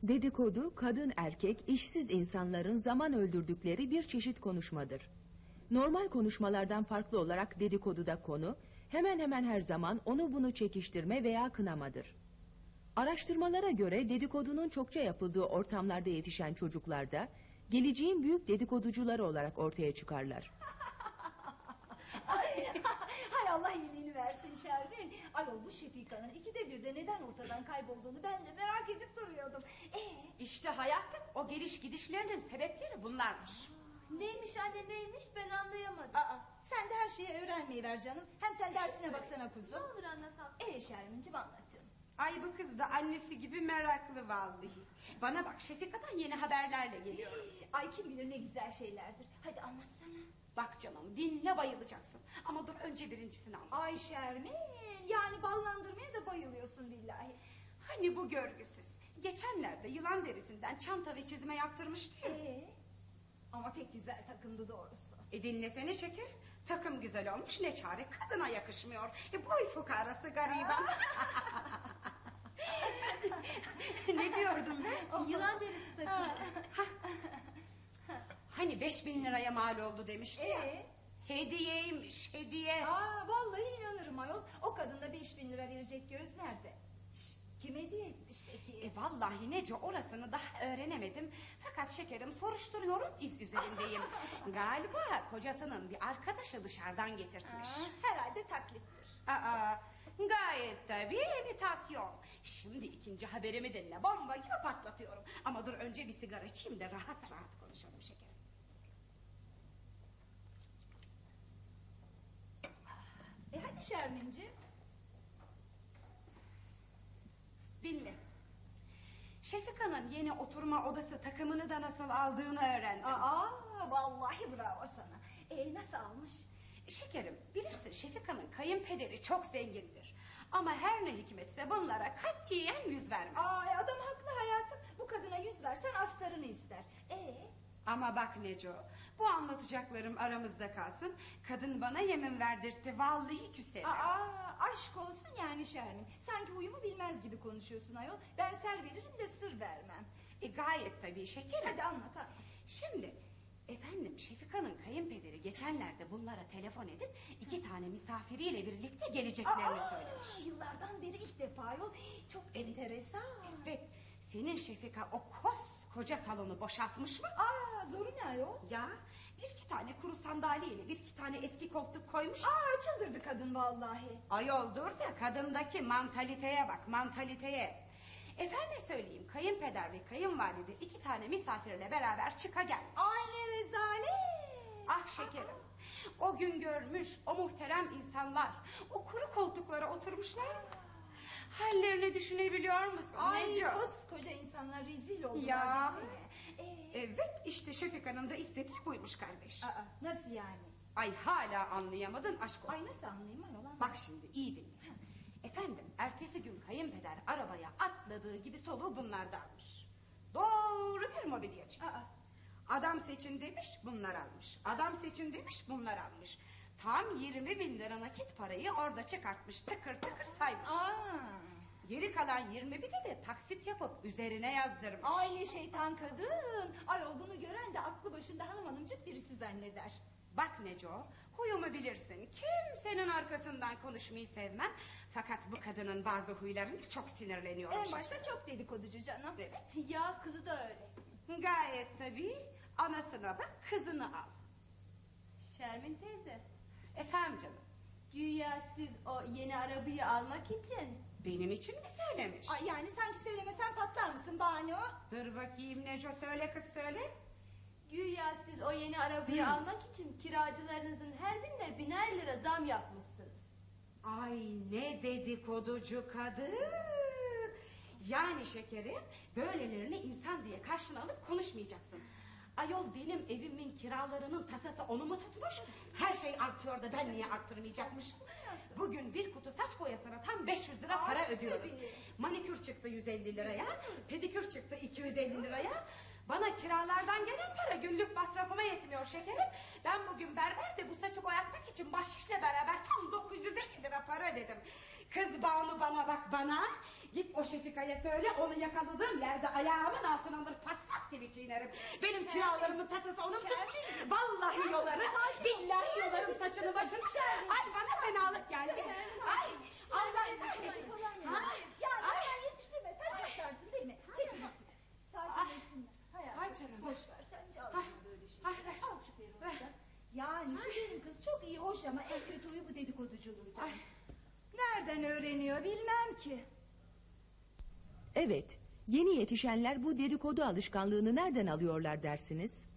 Dedikodu, kadın erkek, işsiz insanların zaman öldürdükleri bir çeşit konuşmadır. Normal konuşmalardan farklı olarak dedikoduda konu, hemen hemen her zaman onu bunu çekiştirme veya kınamadır. Araştırmalara göre dedikodunun çokça yapıldığı ortamlarda yetişen çocuklarda, geleceğin büyük dedikoducuları olarak ortaya çıkarlar. Hay Allah iyiliğini versin Şermin. Ayol bu Şefika'nın ikide birde neden ortadan kaybolduğunu ben de merak edip duruyordum. İşte hayatım, o geliş gidişlerinin sebepleri bunlarmış. Neymiş anne neymiş ben anlayamadım. Sen de her şeyi öğrenmeyi ver canım. Hem sen dersine baksana kuzum. Ne olur anlasam. Şermin'cim anlat canım. Ay bu kız da annesi gibi meraklı vallahi. Bana bak, Şefika'dan yeni haberlerle geliyorum. Ay kim bilir ne güzel şeylerdir. Hadi anlatsana. Bak canım, dinle bayılacaksın. Ama dur önce birincisini anlat. Ay Şermin, yani ballandırmaya da bayılıyorsun billahi. Hani bu görgüsüz geçenlerde yılan derisinden çanta ve çizme yaptırmıştı ya. Ama pek güzel takımdı doğrusu. Dinlesene şeker, takım güzel olmuş, ne çare, kadına yakışmıyor. Boy fukarası gariban. Ne diyordum ben? Yılan derisi takımı. Hani 5.000 liraya mal oldu demişti ya. Hediyeymiş, hediye. Vallahi inanırım ayol. O kadına 5.000 lira verecek göz nerede? Kim hediye etmiş peki? Vallahi Neco, orasını daha öğrenemedim. Fakat şekerim, soruşturuyorum, iz üzerindeyim. Galiba kocasının bir arkadaşı dışarıdan getirtmiş. Herhalde taklittir. Gayet tabii imitasyon. Şimdi ikinci haberimi dinle, bomba gibi patlatıyorum. Ama dur önce bir sigara içeyim de rahat rahat konuşalım şekerim. Hadi Şermin'ciğim. Dinle. Şefika'nın yeni oturma odası takımını da nasıl aldığını öğrendim. Vallahi bravo sana. Nasıl almış? Şekerim, bilirsin Şefika'nın kayınpederi çok zengindir. Ama her ne hikmetse bunlara katiyen yüz vermez. Adam haklı hayatım. Bu kadına yüz versen astarını ister. Ama bak Neco, bu anlatacaklarım aramızda kalsın. Kadın bana yemin verdirtti, vallahi küserim. Aşk olsun yani Şermin. Sanki huyumu bilmez gibi konuşuyorsun ayol. Ben ser veririm de sır vermem. Gayet tabii şekerim. Hadi anlat. Şimdi efendim, Şefika'nın kayınpederi geçenlerde bunlara telefon edip 2 tane misafiriyle birlikte geleceklerini söylemiş. Yıllardan beri ilk defa ayol. Çok enteresan. Evet, senin Şefika o koskoca salonu boşaltmış mı? Zoru ne ayol? Ya 1-2 tane kuru sandalyeyle 1-2 tane eski koltuk koymuş. Çıldırdı kadın vallahi. Ayol dur da kadındaki mantaliteye bak, mantaliteye. Efendim söyleyeyim, kayınpeder ve kayınvalide 2 tane misafirle beraber çıka gelmiş. Ay ne rezalet. Ah şekerim, o gün görmüş o muhterem insanlar o kuru koltuklara oturmuşlar. Hallerini düşünebiliyor musun? Koskoca insanlar rezil oldular. Ya. Evet, işte Şefika'nın da istediği buymuş kardeş. Nasıl yani? Ay hala anlayamadın, aşk olsun. Ay nasıl anlayayım ayol? Bak şimdi iyi dinle. Efendim, ertesi gün kayınpeder arabaya atladığı gibi soluğu bunlarda almış. Doğru bir mobilyacı. Adam seçin demiş, bunlar almış. Adam seçin demiş, bunlar almış. Tam 20.000 lira nakit parayı orada çıkartmış, tıkır tıkır saymış. Geri kalan 21'i de taksit yapıp üzerine yazdırmış. Ay ne şeytan kadın. Ayol bunu gören de aklı başında hanım hanımcık birisi zanneder. Bak Neco, huyumu bilirsin. Kimsenin arkasından konuşmayı sevmem. Fakat bu kadının bazı huylarına çok sinirleniyorum. En başta çok dedikoducu canım. Evet. Ya kızı da öyle. Gayet tabii. Anasına bak, kızını al. Şermin teyze. Efendim canım. Güya siz o yeni arabayı almak için. Benim için mi söylemiş? Ay yani sanki söylemesen patlar mısın bahane o? Dur bakayım Neco, söyle kız söyle. Güya siz o yeni arabayı almak için kiracılarınızın her birine 1000'er lira zam yapmışsınız. Ay ne dedikoducu kadın. Yani şekerim, böylelerini insan diye karşına alıp konuşmayacaksın. Ayol benim evimin kiralarının tasası onu mu tutmuş? Her şey artıyor da ben niye arttırmayacakmışım? Bugün bir kutu saç boyasına tam 500 lira para ödüyoruz. Manikür çıktı 150 liraya, pedikür çıktı 250 liraya. Bana kiralardan gelen para günlük masrafıma yetmiyor şekerim. Ben bugün berberde bu saçı boyatmak için bahşişle beraber tam 950 lira para ödedim. Kız Banu bana bak bana. Git o Şefika'ya söyle, onu yakaladığım yerde ayağımın altına alır paspas gibi çiğnerim. Benim kiralarımın tasası onun tutmuş. Vallahi yolarım, billahi yolarım saçını başını. Ay bana fenalık geldi. Ay Allah kahretsin. Ya sen yetiştirme, sen çatlarsın değil mi? Çekil bakayım. Sakinleştin. Ay canım. Boş ver, sen hiç alma böyle şeyleri. Al şu peruğunu. Yani şu benim kız çok iyi, hoş ama en kötü huyu bu dedikoduculuğu canım. Nereden öğreniyor bilmem ki. Evet, yeni yetişenler bu dedikodu alışkanlığını nereden alıyorlar dersiniz?